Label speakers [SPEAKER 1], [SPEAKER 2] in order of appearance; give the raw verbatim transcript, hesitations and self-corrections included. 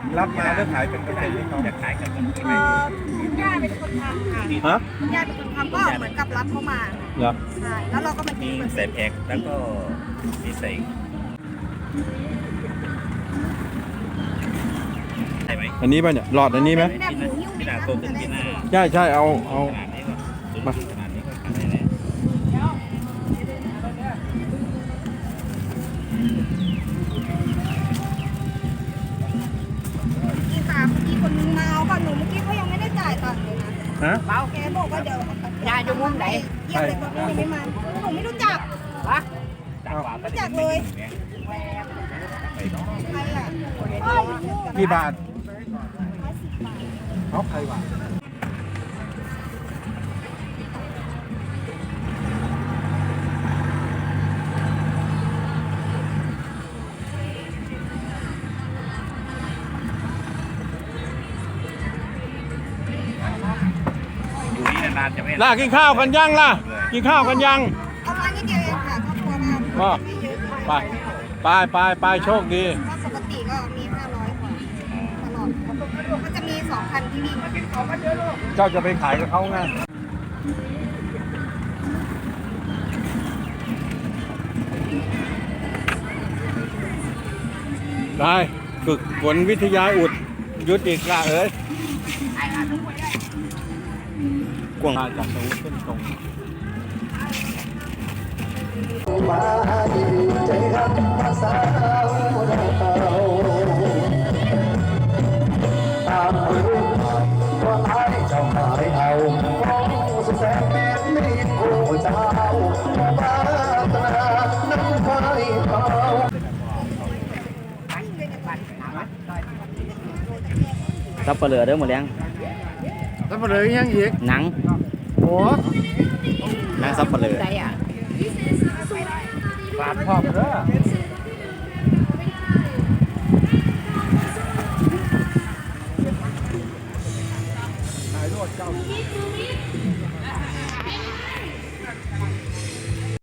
[SPEAKER 1] รับมาแล้วขายเป็นเปอร์เซ็นต์ที่เขา
[SPEAKER 2] จะขายกับคนอื่น
[SPEAKER 3] เอ่อคุณย่าเป็นคนทำค่ะ
[SPEAKER 1] ฮะ
[SPEAKER 3] คุณย่าเป็นคนทำก็เหมือนกับรับเข้ามา
[SPEAKER 1] เหรอ
[SPEAKER 3] ใช่แล้วเราก็มาคิ
[SPEAKER 2] มี
[SPEAKER 3] ดเปอร์
[SPEAKER 2] ใส่
[SPEAKER 3] เซ็นต์
[SPEAKER 2] แพ็คแล้วก็มีใส่ใช่ไหม
[SPEAKER 1] อันนี้ป่ะเนี่ยหลอดอันนี้ไหม
[SPEAKER 3] แบบหมูหิ้ว
[SPEAKER 2] พี่นาโตขึ้นพี่นา
[SPEAKER 1] ใช่ใช่เอาเอา
[SPEAKER 2] ขนาดนี้ก็มาขนาดนี้ก็ขายได้แล้ว
[SPEAKER 3] พี่ค่ะพี่คนนึงมาเอาก่อนหนูเมื่อกี้เขายังไม่ได้จ่ายตังค์เลยนะ
[SPEAKER 1] ฮะ
[SPEAKER 3] เบาแกบอกว่าเดี๋ยวยายอยู่มุมไหนเยี่ยมเลยคนนี้ยังไม่มาหนูไม่รู้จักวะ
[SPEAKER 2] จากกว่าก็
[SPEAKER 3] รู้
[SPEAKER 2] จะ
[SPEAKER 3] จัก
[SPEAKER 2] ไม่
[SPEAKER 3] เลย
[SPEAKER 2] ถึงเนี่ยไปเนาะ
[SPEAKER 3] ใครอ่ะ
[SPEAKER 1] กี่บาทเขาใครบาท
[SPEAKER 2] อยู่นี่นานๆจะไม่
[SPEAKER 1] ล่ากินข้าวกันยังล่ะกินข้าวกันยัง
[SPEAKER 3] เอามานิดเดียวเองค่ะครอบครัวเรา
[SPEAKER 1] ก็
[SPEAKER 3] ไม่เยอะ
[SPEAKER 1] ไปไปไปไปโชคดี
[SPEAKER 3] ถ้าปกติก็มีห้าร้อยกว่าตลอดก็จะมีสองคันที่วิ่ง
[SPEAKER 1] เจ้าจะไปขายกับเขาไงได้ฝึกฝนวิทยาอุดยุดอีกละเอ้ยกวางจากตรงขึ้นตรง
[SPEAKER 4] มาดีใจครับภาษาเราตามรู้ว่าไอ้เจ้าหายเอาของสุดแสนเป็นมีผู้เจ้าบ้าตนาน้ำไฟเผา
[SPEAKER 5] ซับเปลือเด้อหมดแล้ว
[SPEAKER 1] แล้วมาเลยยังอีก
[SPEAKER 5] หนัง
[SPEAKER 1] โอ้
[SPEAKER 5] หนังซับเปลือ
[SPEAKER 1] ฝาดพอบเด้อถ่ายรถเจ้า